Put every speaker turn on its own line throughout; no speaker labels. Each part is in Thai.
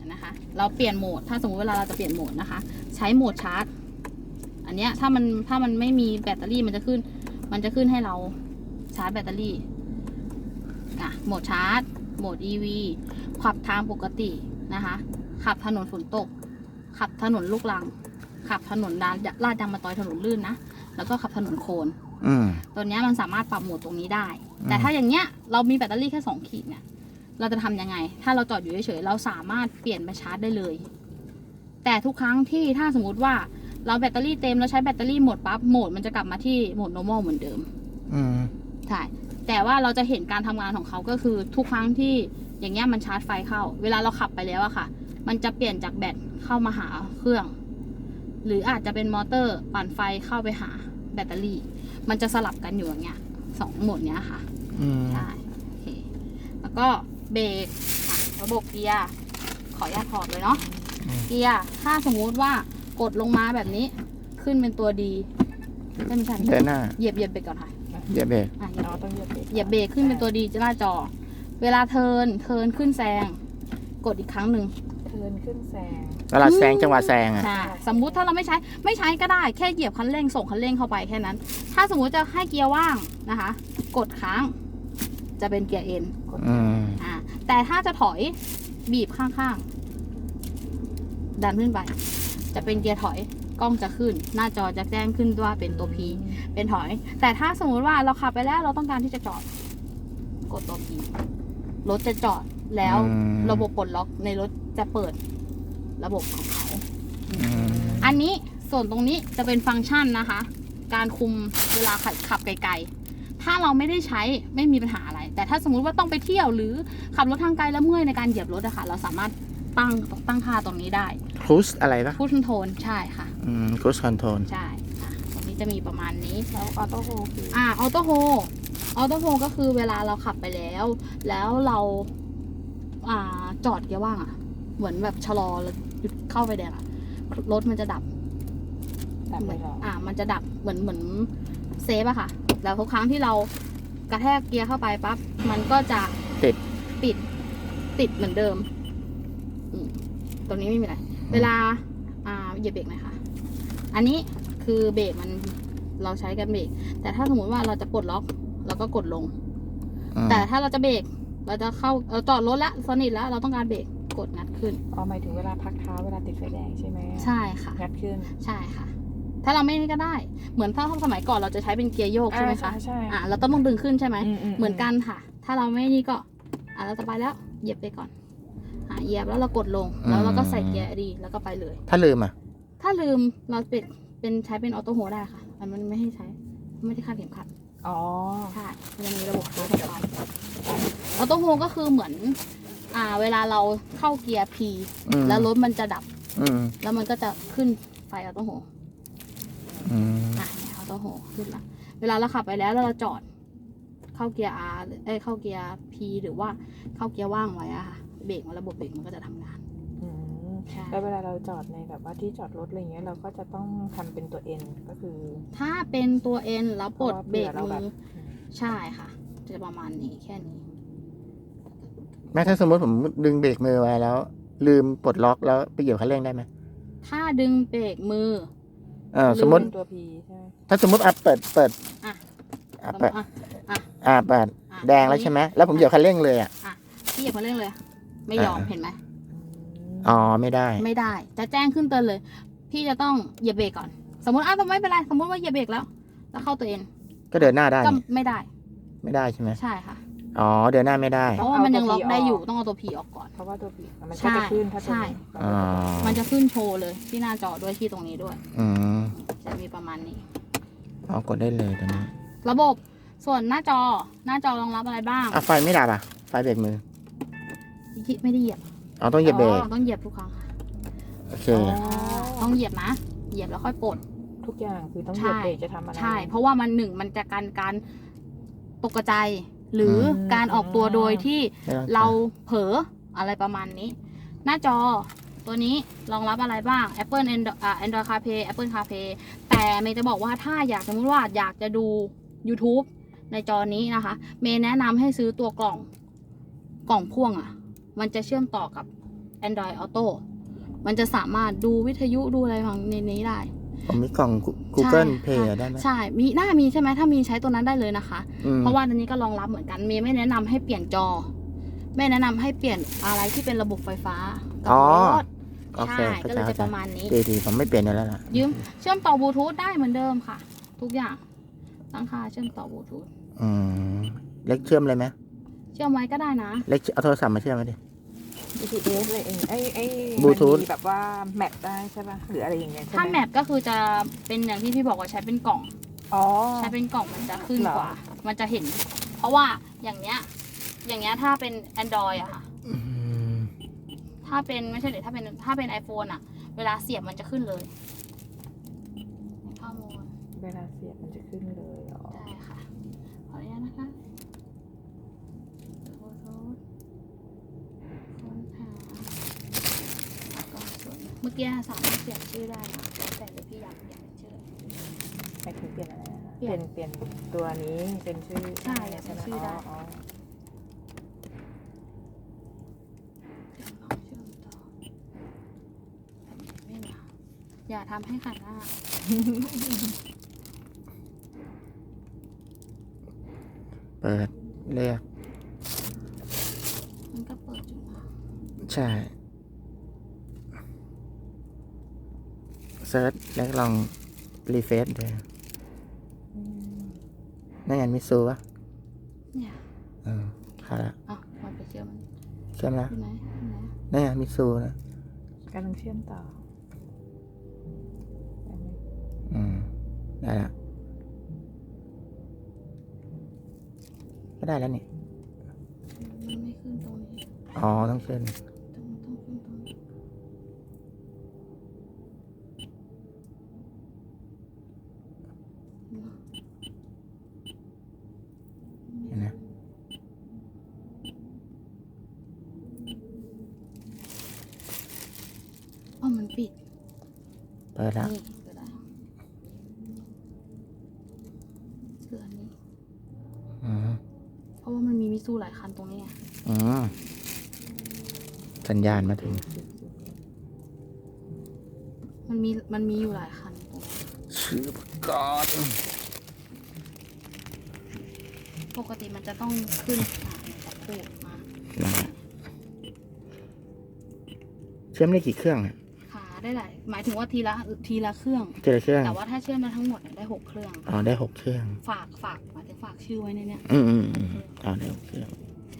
นะคะ เราเปลี่ยนโหมดถ้าสมมติเวลาเราจะเปลี่ยนโหมดนะคะ ใช้โหมดชาร์จอันเนี้ยถ้ามันไม่มีแบตเตอรี่มันจะขึ้นให้เราชาร์จแบตเตอรี่โหมดชาร์จโหมด EV ขับทางปกตินะคะขับถนนฝนตกขับถนนลูกรังขับถนนลาดยางมะตอยถนนลื่นนะแล้วก็ขับถนนโคลนตัวนี้มันสามารถปรับโหมดตรงนี้ได้แต่ถ้าอย่างเงี้ยเรามีแบตเตอรี่แค่2 ขีดเนี่ยเราจะทำยังไงถ้าเราจอดอยู่เฉยๆเราสามารถเปลี่ยนไปชาร์จได้เลยแต่ทุกครั้งที่ถ้าสมมติว่าเราแบตเตอรี่เต็มแล้วใช้แบตเตอรี่หมดปั๊บโหมดมันจะกลับมาที่โหมด normal เหมือนเดิมใช่แต่ว่าเราจะเห็นการทำงานของเขาก็คือทุกครั้งที่อย่างเงี้ยมันชาร์จไฟเข้าเวลาเราขับไปแล้วอะค่ะมันจะเปลี่ยนจากแบตเข้ามาหาเครื่องหรืออาจจะเป็นมอเตอร์ปั่นไฟเข้าไปหาแบตเตอรี่มันจะสลับกันอยู่อย่างเงี้ย2 โหมดเนี้ยค่ะใช่โอเคแล้วก็เบรกระบบเกียร์ขออนุญาตถอดเลยเนาะเกียร์ถ้าสมมุติว่ากดลงมาแบบนี้ขึ้นเป็นตัวดีไม่ใช่เดินหน้าเหยียบเบรกก่อนค่ะ
เหยียบเบรก
ต้องเหยียบเบรกขึ้นเป็นตัวดีจะหน้าจอเวลาเทิร์นขึ้นแซงกดอีกครั้งหนึ่ง
เทิร์นขึ้นแซง
เวลาแซงจังหวะแซงอ่ะ
สมมุติถ้าเราไม่ใช้ก็ได้แค่เหยียบคันเร่งส่งคันเร่งเข้าไปแค่นั้นถ้าสมมุติจะให้เกียร์ว่างนะคะกดค้างจะเป็นเกียร์เอ็นแต่ถ้าจะถอยบีบข้างๆดันขึ้นไปจะเป็นเกียร์ถอยกล้องจะขึ้นหน้าจอจะแจ้งขึ้นว่าเป็นตัว P เป็นถอยแต่ถ้าสมมุติว่าเราขับไปแล้วเราต้องการที่จะจอดกดตัว P รถจะจอดแล้วระบบปลดล็อกในรถจะเปิดระบบของเขาอันนี้ส่วนตรงนี้จะเป็นฟังก์ชันนะคะการคุมเวลาขับไกลๆถ้าเราไม่ได้ใช้ไม่มีปัญหาอะไรแต่ถ้าสมมุติว่าต้องไปเที่ยวหรือขับรถทางไกลแล้วเมื่อยในการเหยียบรถอะค่ะเราสามารถตั้งค่าตรงนี้ได้
ครูซอะไรปะ
ครูซคอนโทรลใช่ค่ะ
ครูซคอนโทรล
ใช่ตรงนี้จะมีประมาณนี้
แล้วออโต้โฮ
ออโต้โฮก็คือเวลาเราขับไปแล้วเราจอดเกียร์ว่างอะเหมือนแบบชะลอแล้วหยุดเข้าไฟแดงอะรถมันจะดับ
เหมือน
มันจะดับเหมือนเซฟอะค่ะแล้วทุกครั้งที่เรากระแทกเกียร์เข้าไปปั๊บมันก็จะติดเหมือนเดิมตรงนี้ไม่มีอะไรเวลาเหยียบเบรกหน่อยค่ะอันนี้คือเบรกมันเราใช้กันเบรกแต่ถ้าสมมติว่าเราจะปลดล็อกเราก็กดลงแต่ถ้าเราจะเบรกเราจะเราจอดรถแล้วสนิทแล้วเราต้องการเบรกกดงัดขึ้น
หมายถึงเวลาพักเท้าเวลาติดไฟแดงใช่ไหม
ใช่ค่ะ
งัดขึ้น
ใช่ค่ะถ้าเราไม่นี่ก็ได้เหมือนถ้าสมัยก่อนเราจะใช้เป็นเกียร์โยกใช่ไหมคะ
ใช่
เราต้องดึงขึ้นใช่ไหมเหมือนกันค่ะถ้าเราไม่นี่ก็เราจะไปแล้วเหยียบไปก่อนเหยียบแล้วเรากดลงแล้วเราก็ใส่เกียร์ดีแล้วก็ไปเลย
ถ้าลืม
เราเป็นใช้เป็นออโต้โฮได้ค่ะมันไม่ให้ใช้ไม่ได้คาดเข็มขัดใช่มันมีระบบของเขาออโต้โฮก็คือเหมือนเวลาเราเข้าเกียร์ P แล้วรถมันจะดับแล้วมันก็จะขึ้นไฟออโต้โฮออโต้โฮขึ้นละเวลาเราขับไปแล้วเราจอดเข้าเกียร์ R เข้าเกียร์ P หรือว่าเข้าเกียร์ว่างไว้อะค่ะเบรกระบบเบรกมันก็จะทำงาน
แล้วเวลาเราจอดในแบบว่าที่จอดรถอะไรเงี้ยเราก็จะต้องทำเป็นตัว N ก็คือ
ถ้าเป็นตัว N แล้วปลดเบรกมือใช่ค่ะจะประมาณนี้แค่นี้
แม้ถ้าสมมติผมดึงเบรกมือไว้แล้วลืมปลดล็อกแล้วไปเหยียบคันเร่งได้ไหม
ถ้าดึงเบรกมือ
สมมติ
ตัว P ใช่
ถ้าสมมติเปิดเปิดแดงแล้วใช่ไหมแล้วผมเหยียบคันเร่งเลย
พี่เหยียบคันเร่งเลยไม่ยอมเห็นไหม
ไม่ได้
จะแจ้งขึ้นเตือนเลยพี่จะต้องเหยียบเบรกก่อนสมมติไม่เป็นไรสมมติว่าเหยียบเบรกแล้วเข้าตัวเอง
ก็เดินหน้าได้
ก็ไม่ได้
ใช่ไหม
ใช่ค่ะ
เดินหน้าไม่ได้
เพราะว่ามันยังล็อกได้อยู่ต้องเอาตัว P ออกก่อน
เพราะว่าตัว P มันจะขึ้นถ้า
ใช่มันจะขึ้นโชว์เลยที่หน้าจอด้วยที่ตรงนี้ด้วยจะมีประมาณนี้
กดได้เลยตอนนี้
ระบบส่วนหน้าจอรองรับอะไรบ้าง
ไฟไม่ดับไฟเบรกมือ
ไม่ได้เหยียบ
ต้องเหยียบเบรก
ต้องเหยียบทุกครั้งค่ะ
โอเค
ต้องเหยียบนะเหยียบแล้วค่อยปลด
ทุกอย่างคือต้องเหยียบเบรกจะทำอะไร
ใช่เพราะว่ามันจะการตกใจหรือการออกตัวโดยที่เราเผลออะไรประมาณนี้หน้าจอตัวนี้รองรับอะไรบ้าง Apple Android CarPlay Apple CarPlay แต่เมย์จะบอกว่าถ้าสมมติว่าอยากจะดู YouTube ในจอนี้นะคะเมย์แนะนำให้ซื้อตัวกล่องพ่วงมันจะเชื่อมต่อกับ Android Auto มันจะสามารถดูวิทยุดูอะไรของในนี้ได้
ผมมีกล่อง Google
ใช่
Play ได้ไหม
ใช่น่ามีใช่ไหมถ้ามีใช้ตัวนั้นได้เลยนะคะ เพราะว่าอันนี้ก็รองรับเหมือนกันเมย์ไม่แนะนำให้เปลี่ยนจอไม่แนะนำให้เปลี่ยนอะไรที่เป็นระบบไฟฟ้ากับรถ
โอเค
ใช่
เข้า
ก็
ใจ
เลยจะประมาณนี้
ดีผมไม่เปลี่ยนอยู่แล้วล่ะ
ยืมเชื่อมต่อบลูทูธได้เหมือนเดิมค่ะ ทุกอย่างตั้งค่าเชื่อมต่อบลูทูธ
เล็กเชื่อมเลยไหม
เชื่อมไว้ก็ได้นะ
เล็กเอาโทรศัพท์มาเชื่อมไว้ดิ
GPS เลยเองไอ้
Bluetooth
มันมีแบบว่าแมปได้ใช่ป่ะหรืออะไรอย่างเงี้ยใช่ไหม
ถ้าแมปก็คือจะเป็นอย่างที่พี่บอกว่าใช้เป็นกล่อง
อ๋อ
ใช้เป็นกล่องมันจะขึ้น
เหรอ
กว่า มันจะเห็น เพราะว่าอย่างเนี้ยถ้าเป็น Android อะค่ะ ถ้าเป็นไม่ใช่เดี๋ยวถ้าเป็น iPhone อะเวลาเสียบมันจะขึ้นเลยข้อมูล
เวลาเสียบมันจะขึ้นเลยอ๋อ
ได้ค่ะ ขออนุญาตนะคะโพสต์ค้นหาแล้วก็ส่วนเมื่อกี้สามารถเปลี่ยนชื่อได้นะแล้วแต่เลยพี่อยากเปลี่ยนเป็นชื่อ
ไปถึงเปลี่ยนอะไรนะคะ
เปลี่ยน
เปลี่ยนตัวนี้เป็นชื่อ
ใช่เป็นชื่อได้
อ๋อ
เชื่อมต่อไม่มาอย่าทำให้ขัดหน้า
เปิดเรียก
มันก็เปิดอยู่นะ
ใช่เซิร์ชแล้วลองรีเฟรชดู
อืม
นั่นไงมิซูวะ
เนี่ย
เข้าละ
อ่ะมันไปเชื่อมมัน
เชื่อมแล้ว
ที่ไหนที่ไหน
นั่นไงมิซูนะ
กำลังเชื่อมต่อ
ได้ละก็ได้แล้วนี่
มันไม่ขึ้นตรงนี้
อ๋อต้องขึ้น
ต้องขึ้นตรงนี้
เห็นไหม
อ๋อมันปิด
เปิดแล้ว
นี่เปิดแล้วเสือนี้
อืม
เพราะว่ามันมีมิซูหลายคันตรงนี้ไง
อืมสัญญาณมาถึง
มันมีอยู่หลายคันตรงนี้
ชื่อประกอบ
ปกติมันจะต้องขึ้นจากพูดมา
เชื่อมได้กี่เครื่องอ่ะ
ขาได้หลายหมายถึงว่าทีละเครื่อง
เจอเครื่อง
แต่ว่าถ้าเชื่อมมาทั้งหมดเนี่ยได้6เครื่อง
อ๋อได้6เครื่อง
ฝากหมายถึงฝากชื่อไว้ในเนี้ย
อ๋อได้6เครื่อง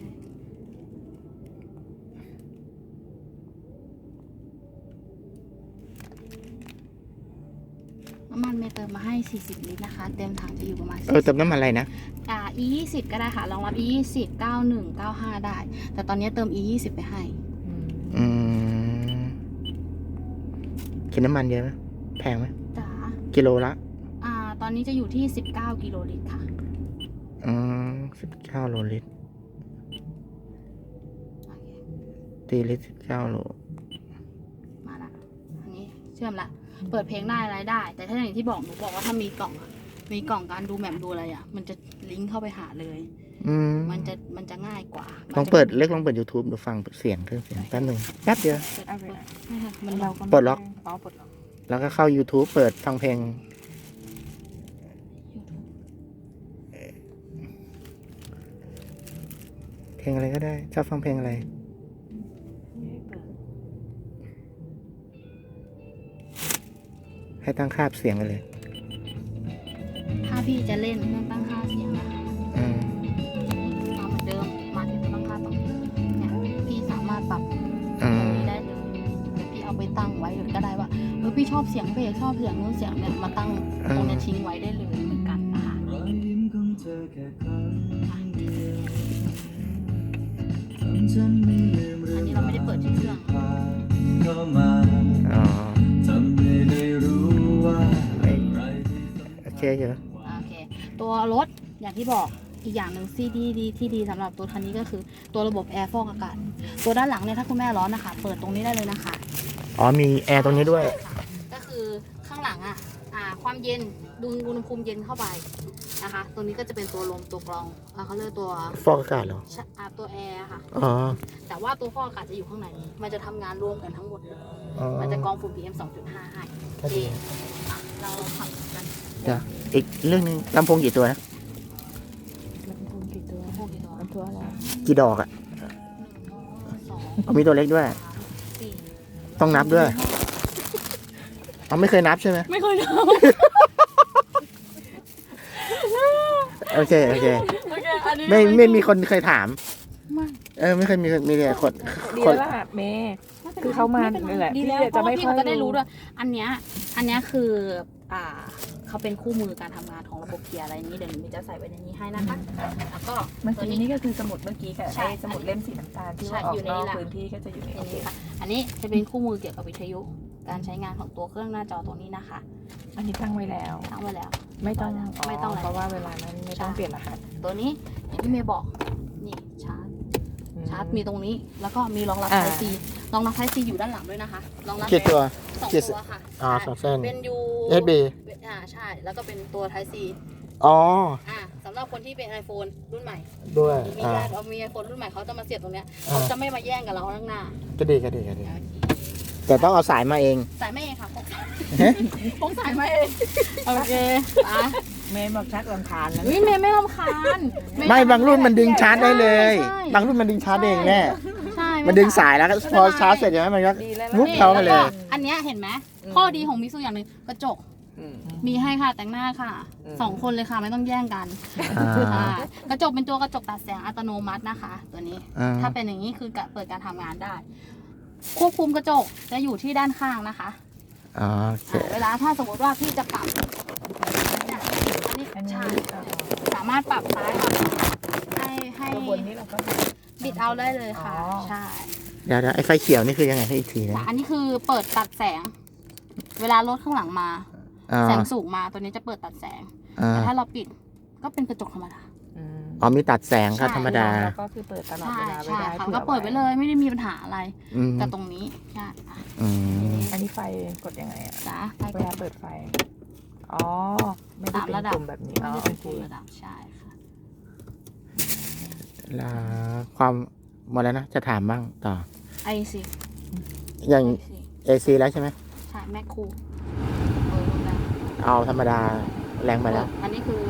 น้ำมันเมย์เติมมาให้40ลิตรนะคะ เต็มถังจะอยู่ประมาณ
เติมน้ำมันอะไรนะ
E20 ก็ได้ค่ะรองรับ E20 91 95ได้ แต่ตอนนี้เติม E20 ไปให้
อืม
กินน้ำมันเยอะไหมแพงไหม
จ๋า
กิโลละ
ตอนนี้จะอยู่ที่19กิโลลิตรค่ะ
19 โลลิตร
โอเค
ตีลิตร19 โล
มาละอันนี้เชื่อมละ เปิดเพลงได้อะไรได้ แต่ถ้าอย่างที่บอกหนูบอกว่าถ้ามีกล่องการดูแมปดูอะไรอ่ะ มันจะลิงก์เข้าไปหาเลย มันจะง่ายกว่า
ลองเปิดYouTube ดูฟังเสียงเครื่องเสียงแป๊บหนึงแป๊บเดียว
เอาไป
ไม่ค่ะมัน
เราก็ไม่
ปลดล็อก
อ๋อปลดล็อก
แล้วก็เข้า YouTube เปิดฟังเพลง เพลงอะไรก็ได้ ชอบฟังเพลงอะไร
ให้เปิด
ให้ตั้งค่าเสียงไปเลย
ถ้าพี่จะเล่นเครื่องตั้งค่าเสียงนะคะ
อืม
มาเหมือนเดิม มาที่ตั้งค่าตรงนี้เนี่ยพี่สามารถปรับ
อืม
ได้เลยเดี๋ยวพี่เอาไปตั้งไว้เลยก็ได้ว่าพี่ชอบเสียงเบสชอบเสียงนู้นเสียงเนี่ยมาตั้งตรงเนี้ยทิ้งไว้ได้เลยเหมือนกันนะคะอันนี้เราไม่ได้เปิดที่เครื่อง
อ๋อโอเคเยอะ
โอเค ตัวรถอย่างที่บอกอีกอย่างหนึ่งที่ดีสำหรับตัวคันนี้ก็คือตัวระบบแอร์ฟอกอากาศ ตัวด้านหลังเนี่ยถ้าคุณแม่ร้อนนะคะ เปิดตรงนี้ได้เลยนะคะ
อ๋อมีแอร์ตรงนี้ด้วย
ก็คือข้างหลังความเย็นดูอุณหภูมิเย็นเข้าไปนะคะ ตัวนี้ก็จะเป็นตัวลมตัวกรองเขาเรียกตัว
ฟอกอากาศเหรอ
ตัวแอร์ค่ะ
อ๋อ
แต่ว่าตัวฟอกอากาศจะอยู่ข้างในมันจะทำงานรวมกันทั้งหมดเลย
อ๋อ
มันจะกรองฝุ่น PM 2.5 ให้
ก็ดี
อ่ะเราทำกัน
เดี๋ยวอีกเรื่องหนึงลำโพงกี่ตัวนะ
ลำโพงกี่ตัว
พวกกี่ตัว
ลำตัวแล้ว
กี่ดอกอ่ะ
สอง
เอามีตัวเล็กด้วย
สี่
ต้องนับด้วยเอาไม่เคยนับใช่ไหม
ไม่เคยท
โอเคโอเค
ำโอเคอันนี้
ไม่มีคนเคยถาม
ไม่
ไม่เคยมีแต่คน
ดี
คน
แล้วล่ะเมย์ คือเขามา
ไป็ไร
นี่แหละ
ดีแล้ว
พี่จะไม่
เพราะว่าพี่
ค่อย
ก็ได้
รู้
รู้ด้วยอันเนี้ยคือเขาเป็นคู่มือการทำงานของระบบเกียร์อะไรนี้เดี๋ยวหนูจะใส่ไว้ในนี้ให้นะคะแล้วก็
เมื่อ
ตัว
กี้
นี้
นี่ก็คือสมุดเมื่อกี้กับ
ใช่
ไอ้สมุดเล่มสีน้ำตาลที่ว่า
ใช่
ออก
อยู่ใน
น
นี้
อก
แหละ
พื้นที่ก็จะอยู่ใน
อั
โอน เค
นี้ค่ะอันนี้จะเป็นคู่มือเกี่ยวกับวิทยุการใช้งานของตัวเครื่องหน้าจอตัวนี้นะคะ
อันนี้ตั้งไว้แล้ว
ตั้งไว้แล้ว
ไม่ต้อง
ไม่ต้อง
เพราะว่าเวลานั้นไม่ต้อง
ใช่
เปลี่ยนรหัส
ตัวนี้อย่างที่เมย์บอกนี่ชาร์จมีตรงนี้แล้วก็มีรองรับ
อ่า
ไทซีรองรับไทซีอยู่ด้านหลังด้วยนะคะรองรับ
กี่ตัว
สอง
กี่
ตัวค่ะ
อ๋อ
ใช่
สองเส้น
เป็น U
USB
ใช่แล้วก็เป็นตัวไทซี
อ๋อ
สำหรับคนที่เป็น iPhone รุ่นใหม่
ด้วย
มีญาติมี iPhone รุ่นใหม่เขาจะมาเสียบตรงเนี้ย
อ่า
เขาจะไม่มาแย่งกับเราข้างหน้า
ก็ดีแต่ต้องเอาสายมาเอง
สายไม่เองค่ะพกสาย
ฮะ
พกสายมาเองโอเคอ่ะ
เมย์บอกชักรำคาญแล้ว
วิเมย์ไม่รำคาญ
ไม่บางรุ่นมันดึงชาร์จได้เลย
ใช่
บางรุ่นมันดึงชาร์จเองแน่
ใช่
มันดึงสายแล้วก็พอชาร์จเสร็จใช่ไหมมันก็
ดีแล้ว
วุบเข้ามาเลย
แวก็อันเนี้ยเห็นไหมข้อดีของมิซูอย่างหนึ่งกระจก มีให้ค่ะแต่งหน้าค่ะสองคนเลยค่ะไม่ต้องแย่งกัน
อ่า
อ่ากระจกเป็นตัวกระจกตัดแสงอัตโนมัตินะคะ ตัวนี้
อ่า
ถ้าเป็นอย่างนี้คือเปิดการทำงานได้ ควบคุมกระจกจะอยู่ที่ด้านข้างนะคะ
อ๋อโอเค
เวลาถ้าสมมติว่าพี่จะปรับเนี่ยอันนี้
อันนี้
ใช่สามารถปรับซ้ายปรับขวาให้
ตัวบนนี้เราก็
บิดเอาได้เลยค่ะ
อ๋อ
ใช่
เดี๋ยวไอ้ไฟเขียวนี่คือยังไงให้อีกทีนะ
แต่อันนี้คือเปิดตัดแสง เวลารถข้างหลังมา
อ๋อ
แสงสูงมาตัวนี้จะเปิดตัดแสง
อ่า
แต่ถ้าเราปิดก็เป็นกระจกธรรมดา
อ๋อมีตัดแสงครับ
ใช่
ธรรมดา
แล้วก็คือเปิดตลอด
ใช่
เวลาไว้
ใช่
ได้
ค่ะ
ผื่อ
ก็เปิดไว้เลยไม่ได้มีปัญหาอะไร
อืม
กับตรงนี้ใช่อ่ะ
อืม
อันนี้ไฟกดยังไงอ่ะ
จ้าไป
เว
ก่อ
ลาน เปิดไฟ อ๋อ ไม่ได้เป็น
ระดับ
กลุ่มแบบนี้
ไม่
อ๋อ
ได้
โอ
เป็น
เค
ปุ่มระดับใช่ค่ะ
แล้วความหมดแล้วนะ จะถามบ้างต่อ
ไอซี
อย่าง AC แล้วใช่ไหม
ใช่แมคคูเปิดลงได้
เอาธรรมดาแรงไปแล้ว
อันนี้คือ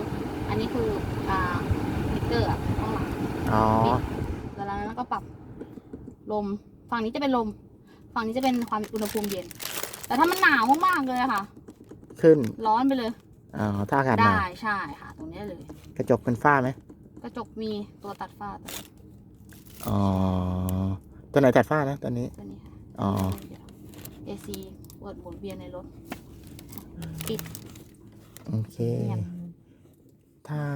มิเตอร์อ่ะข้างหลัง
อ๋อ
เวลานั้นก็ปรับลมฝั่งนี้จะเป็นลมฝั่งนี้จะเป็นความอุณหภูมิเย็น แต่ถ้ามันหนาวมากๆเลยอะค่ะ
ขึ้น
ร้อนไปเลย
อ๋อถ้าอากาศหนา
ได้ใช่ค่ะ ตรงนี้เลย
กระจกเป็นฝ้าไหม
กระจกมีตัวตัดฝ้าตัว
อ๋อ ตัวไหนตัดฝ้านะตัวนี้
นี้ค่ะ
อ๋อ
AC เปิดหมุนเวียนในรถ
โอเค ถ้า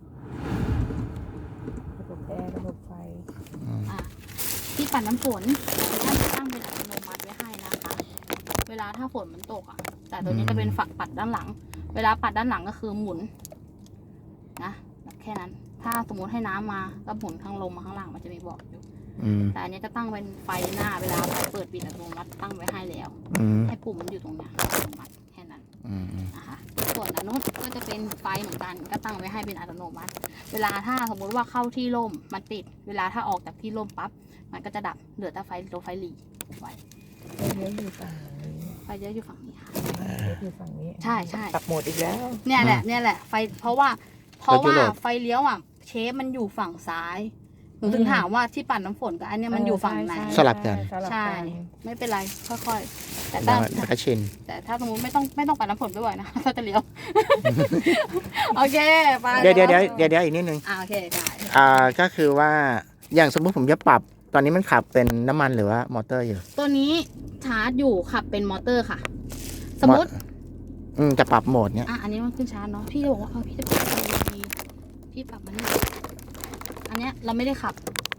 ระบบแอร์ระบบไฟ
อืม
ที่ปัดน้ำฝนท่านจะตั้งเป็นอัตโนมัติไว้ให้นะคะ เวลาถ้าฝนมันตกอ่ะ แต่ตัวนี้จะเป็นฝักปัดด้านหลัง เวลาปัดด้านหลังก็คือหมุนนะแบบแค่นั้น ถ้าสมมติให้น้ำมาก็หมุนข้างลมมาข้างล่างมันจะมีบอกอยู่
อืม
แต่อันนี้จะตั้งเป็นไฟหน้าเวลาเปิดปิดอัตโนมัติตั้งไว้ให้แล้ว
อืม
ให้ปุ่มมันอยู่ตรงเนี้ยอัตโนมัติแค่นั้น
อืม
นะคะส่วนอันนู้นก็จะเป็นไฟเหมือนกันก็ตั้งไว้ให้เป็นอัตโนมัติ เวลาถ้าสมมุติว่าเข้าที่ร่มมันติด เวลาถ้าออกจากที่ร่มปั๊บมันก็จะดับเหลือแต่ไฟตัวไฟหลีไว้
เลี้ยวอยู่ฝั่งนี้
ไฟเยอะอยู่ฝั่งนี้ค่ะ
เลี้ยวอยู่ฝั่งนี้
ใช่ใช่
ปรับโหมดอีกแล้ว
เนี่ยแหละไฟเพราะว่าไฟเลี้ยวอ่ะเชฟมันอยู่ฝั่งซ้ายหนูถึงถามว่าที่ปั่นน้ำฝนกับอันเนี้ยมันอยู่ฝั่งไหน
สลับกัน
สลับ
ใช่
กัน
ไม่เป็นไรค่อยๆแต่
แล้
ถ้าว
เดี๋ยวก็ชิน
แต่ถ้าสมมติไม่ต้องปั่นน้ำฝนบ่อยๆนะ ถ้าจะเลี้ยว โอเคไป
เดี๋ยวอีกนิดนึง
โอเคได้
ก็คือว่า อย่างสมมติผมจะปรับ ตอนนี้มันขับเป็นน้ำมันหรือว่ามอเตอร์อยู่
ตัวนี้ชาร์จอยู่ขับเป็นมอเตอร์ค่ะ สมมติ
จะปรับโหมดเนี้ย
อันนี้มันขึ้นชาร์จเนาะพี่จะบอกว่าพี่จะปรับเป็น EV พี่ปรับมันนี่อันเนี้ยเราไม่ได้ขับ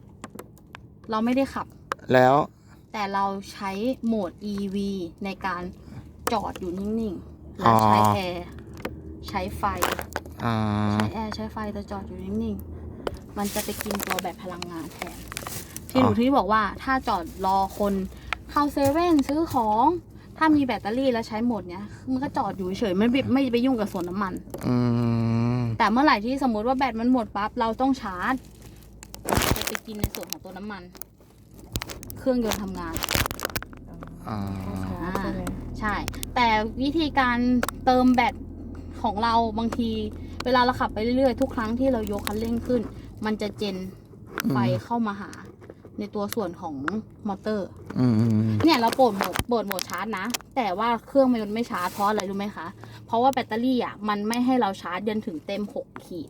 แล้ว
แต่เราใช้โหมด EV ในการจอดอยู่นิ่งๆแล้วใช้แอร์ใช้ไฟ
อ่า
ใช้แอร์ใช้ไฟแต่จอดอยู่นิ่งๆมันจะไปกินตัวแบบพลังงานแทนที่หนูที่บอกว่าถ้าจอดรอคนเข้าเซเว่นซื้อของ ถ้ามีแบตเตอรี่แล้วใช้โหมดเนี้ยมันก็จอดอยู่เฉยไม่ไปยุ่งกับส่วนน้ำมัน
อืม
แต่เมื่อไหร่ที่สมมติว่าแบตมันหมดปั๊บเราต้องชาร์จจะไปกินในส่วนของตัวน้ำมัน เครื่องยนต์ทำงาน
อ๋อ
ใช่ไหม
ใช่ แต่วิธีการเติมแบตของเราบางที เวลาเราขับไปเรื่อยๆทุกครั้งที่เรายกคันเร่งขึ้น มันจะเจนไฟเข้ามาหาในตัวส่วนของมอเตอร์ เนี่ยเราเปิดโหมดชาร์จนะ แต่ว่าเครื่องมันไม่ชาร์จเพราะอะไรรู้ไหมคะ เพราะว่าแบตเตอรี่อ่ะมันไม่ให้เราชาร์จจนถึงเต็ม6 ขีด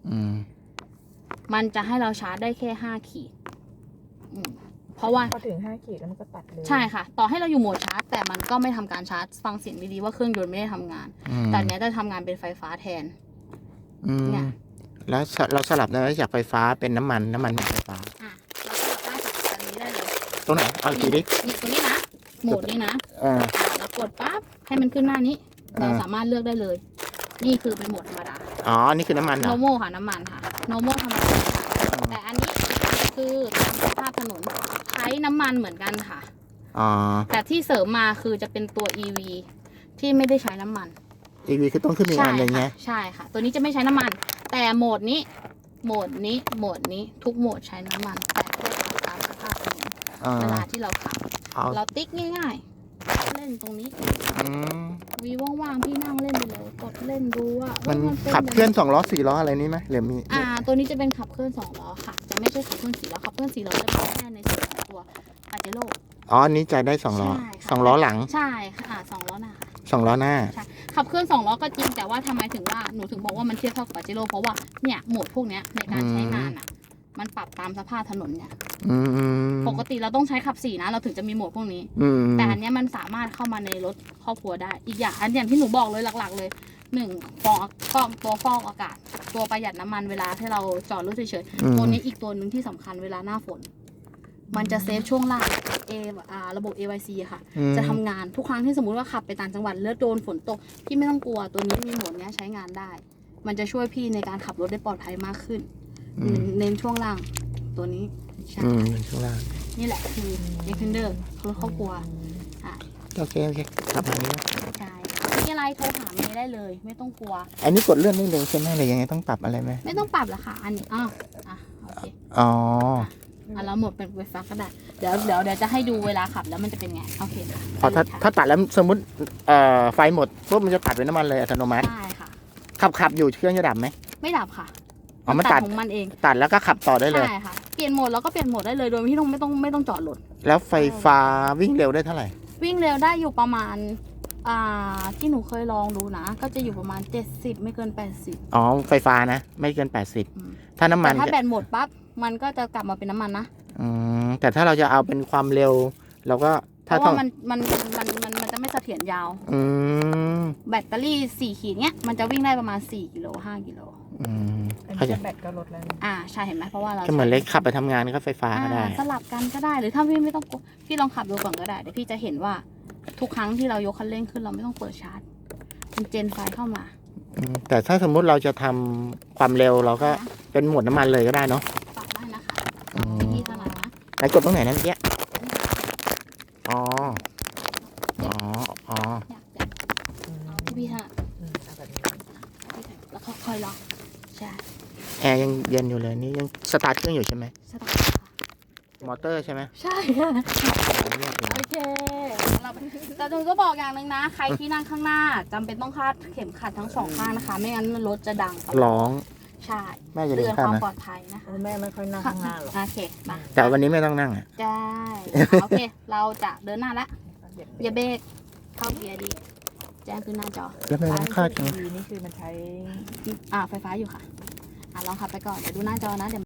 มันจะให้เราชาร์จได้แค่5 ขีดเพราะว่า
พอถึง5 ขีดแล้วมันก็ตัดเลย
ใช่ค่ะ ต่อให้เราอยู่โหมดชาร์จ แต่มันก็ไม่ทำการชาร์จ ฟังเสียงดีๆว่าเครื่องยนต์ไม่ได้ทำงาน แต่อันเนี้ยจะทำงานเป็นไฟฟ้าแทน เนี่ย
แล้วเราสลับได้ไหมจากไฟฟ้าเป็นน้ำมันเป็นไฟฟ้า
อ่ะเราก็ได้จากอันนี้ได้เลย
ตรงไหนเอาอีกทีดิ
นี่ตัวนี้นะ โหมดนี้นะ
อ่า
เรากดปั๊บให้มันขึ้นหน้านี้ เราสามารถเลือกได้เลย นี่คือเป็นโหมดธรรมดา
อ๋อนี่คือน้ำมันเหรอ
normal ค่ะน้ำมันค่ะ normal ธรรมดาค่ะแต่อันนี้คือตามสภาพถนนใช้น้ำมันเหมือนกันค่ะ
อ๋อ
แต่ที่เสริมมาคือจะเป็นตัว EV ที่ไม่ได้ใช้น้ำมัน
EV คือต้องขึ้นอีกอันหนึ่งไง
ใช่ค่ะ ตัวนี้จะไม่ใช้น้ำมัน แต่โหมดนี้ทุกโหมดใช้น้ำมัน แต่แค่ขับตามสภาพถนน
อ่า
เวลาที่เราขับ
เอา
เราติ๊กง่ายๆ เล่นตรงนี้
อืม
วีว่างๆพี่นั่งเล่นไปเลย กดเล่นดูว่า
มัน
ป็
ขับเคลื่อน
ยังไง
2 ล้อ 4 ล้ออะไรนี่ไหมหรือมี
ตัวนี้จะเป็นขับเคลื่อน2 ล้อค่ะ จะไม่ใช่ขับเคลื่อน4 ล้อ ขับเคลื่อน4 ล้อจะเป็นแค่ในส่วนของตัวปาเจโร่
อ๋ออันนี้จะได้2 ล้อ
ใช่ค่ะ
2 ล้อหลัง
ใช่ค่ะ2 ล้อหน้าค่ะ
2 ล้อหน้า
ขับเคลื่อน2 ล้อก็จริง แต่ว่าทำไมถึงว่าหนูถึงบอกว่ามันเทียบเท่ากับปาเจโร่เพราะว่าเนี่ยโหมดพวกเนี้ยในการใช้งานอ่ะ มันปรับตามสภาพถนนเนี่ย
อืม
ปกติเราต้องใช้ขับ4นะเราถึงจะมีโหมดพวกนี้
อืม
แต่อันเนี้ยมันสามารถเข้ามาในรถครอบครัวได้ อีกอย่างที่หนูบอกเลยหลักๆเลยตัวฟอกอากาศ ตัวประหยัดน้ำมันเวลาที่เราจอดรถเฉยๆตัวนี้อีกตัวหนึ่งที่สำคัญเวลาหน้าฝน มันจะเซฟช่วงล่างระบบ AYC อะค่ะ จะทำงานทุกครั้งที่สมมุติว่าขับไปต่างจังหวัดแล้วโดนฝนตกพี่ไม่ต้องกลัวตัวนี้มีโหมดเนี้ยใช้งานได้ มันจะช่วยพี่ในการขับรถได้ปลอดภัยมากขึ้น เน้นช่วงล่างตัวนี้ใช่
ช่วงล่าง
นี่แหละคือ Defender รถครอบครัวอ่ะ
โอเคขับมานี้
ใช่มีอะไรโทรหาเมย์ได้เลย ไม่ต้องกลัว
อันนี้กดเลื่อนได้เลยใช่ไหมหรือยังไงต้องปรับอะไรไหม
ไม่ต้องปรับละค่ะ อันนี้โอเค
อ๋อ
เราหมดเป็นไฟฟ้าก็ได้เดี๋ยวจะให้ดูเวลาขับแล้วมันจะเป็นไงโอเคค่ะ
พอถ้า
ไปเลยค่ะ
ถ้าตัดแล้วสมมติไฟหมดปุ๊บมันจะตัดเป็นน้ำมันเลยอัตโนมัติ
ได้ค่ะ
ขับอยู่เครื่องจะดับไหม
ไม่ดับค่ะ
อ๋อมันตัด
ของมันเอง
ตัดแล้วก็ขับต่อได้เลย
ใช่ค่ะเปลี่ยนโหมดแล้วก็เปลี่ยนโหมดได้เลยโดยที่ไม่ต้องจอดรถ
แล้วไฟฟ้าวิ่งเร็วได้เท่าไหร่
วิ่งเร็วได้อยู่ประมาณที่หนูเคยลองดูนะ ก็จะอยู่ประมาณ70ไม่เกิน80
อ๋อไฟฟ้านะ ไม่เกิน 80 ถ้าน้ำมั
แต่
น
ถ้าแบตหมดปั๊บมันก็จะกลับมาเป็นน้ำมันนะ
แต่ถ้าเราจะเอาเป็นความเร็ว เราก็
เพ
ถ้า
ราะ
ต้อ
ว่าง มันจะไม่เสถียรยาว
อืม
แบตเตอรี่4 ขีดเนี้ยมันจะวิ่งได้ประมาณ4 กิโล5 กิโล
อัน
เข้า
นี้
ใจ
แบตก็ลดแล้วนะ
ใช่เห็นไหมเพราะว่าเรา
ก็เหมือนเล็กขับไปทำงานก็ไฟฟ้าก็ได้
สลับกันก็ได้หรือถ้าพี่ไม่ต้องกลัวพี่ลองขับดูก่อนก็ได้เดี๋ยวพี่จะเห็นว่าทุกครั้งที่เรายกคันเร่งขึ้นเราไม่ต้องเปิดชาร์จมันเจนไฟเข้ามา
แต่ถ้าสมมุติเราจะทำความเร็วเราก็เป็นโหมดน้ำมันเลยก็ได้เนาะ
ปรับได้นะคะ
อืม
พี่ถนัดนะ
ไหนกดตรงไหนนั่นเนี้ยอ๋ออ๋อ
เอาที่พี่ถนัด
เอาแบบนี้
แล้วก็ค่อยล็อกใช่
แอร์ยังเย็นอยู่เลยนี่ยังสตาร์ทเครื่องอยู่ใช่ไหม
สตาร์ทค่ะ
มอเตอร์ใช่ไหม
ใช่ค่ะ
เรียบเลย
โอเคแต่หนูก็บอกอย่างหนึ่งนะ ใครที่นั่งข้างหน้าจำเป็นต้องคาดเข็มขัดทั้ง2 ข้างนะคะ ไม่งั้นรถจะดังตลอด
ร้อง
ใช่
แม่จะ
เตื
เดิ
อน น
ข้า
ความ
นะ
ปลอดภัยนะคะ
แม่ไม่ค่อยนั่งข้างหน้าหรอก
โอเคมา
แต่วันนี้ไม่ต้องนั่งอ่ะ
ได้โอเค เราจะเดินหน้าละอย่าเบรกเข้าเกียร์ดี แจ้งขึ้นหน้าจอ
แล้วไม่ต้องคาดกัน
นี่คือมันใช้
ไฟฟ้าอยู่ค่ะ ลองขับไปก่อน เดี๋ยวดูหน้าจอนะเดี๋ยว